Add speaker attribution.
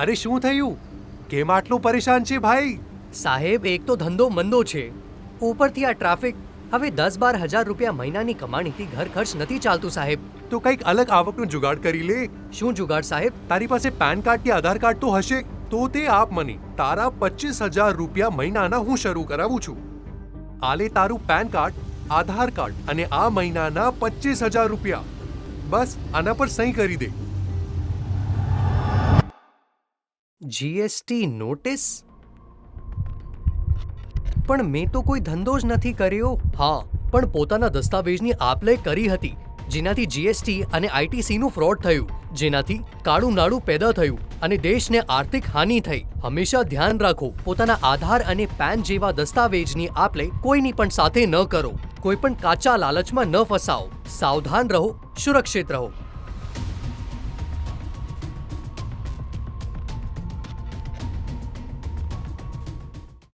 Speaker 1: અરે શું થયું? કેમ આટલું પરેશાન છે ભાઈ?
Speaker 2: સાહેબ, એક તો ધંધો મંદો છે, ઉપરથી આ ટ્રાફિક. હવે 10-12 હજાર રૂપિયા મહિનાની કમાણીથી ઘર ખર્ચ નથી ચાલતું સાહેબ.
Speaker 1: તો કંઈક અલગ આવકનું જુગાડ કરી લે.
Speaker 2: શું જુગાડ સાહેબ?
Speaker 1: તારી પાસે પેન કાર્ડ કે આધાર કાર્ડ તો હશે, તો તે આપ મને. તારા 25,000 રૂપિયા મહિનાના હું શરૂ કરાવું છું. આલે તારું પેન કાર્ડ, આધાર કાર્ડ અને આ મહિનાના 25,000 રૂપિયા. બસ આના પર સહી કરી દે.
Speaker 2: GST notice? પણ મેં તો કોઈ ધંધો જ નથી કર્યો. હા, પણ પોતાના દસ્તાવેજની આપ-લે કરી હતી, જેનાથી જીએસટી અને આઈટીસીનું ફ્રોડ થયું, જેનાથી કાળું નાણું પેદા થયું અને દેશને આર્થિક હાનિ થઈ. હંમેશા ધ્યાન રાખો, પોતાના આધાર અને પેન જેવા દસ્તાવેજની આપ-લે કોઈની પણ સાથે ન કરો. કોઈ પણ કાચા લાલચમાં ન ફસાઓ. સાવધાન રહો, સુરક્ષિત રહો.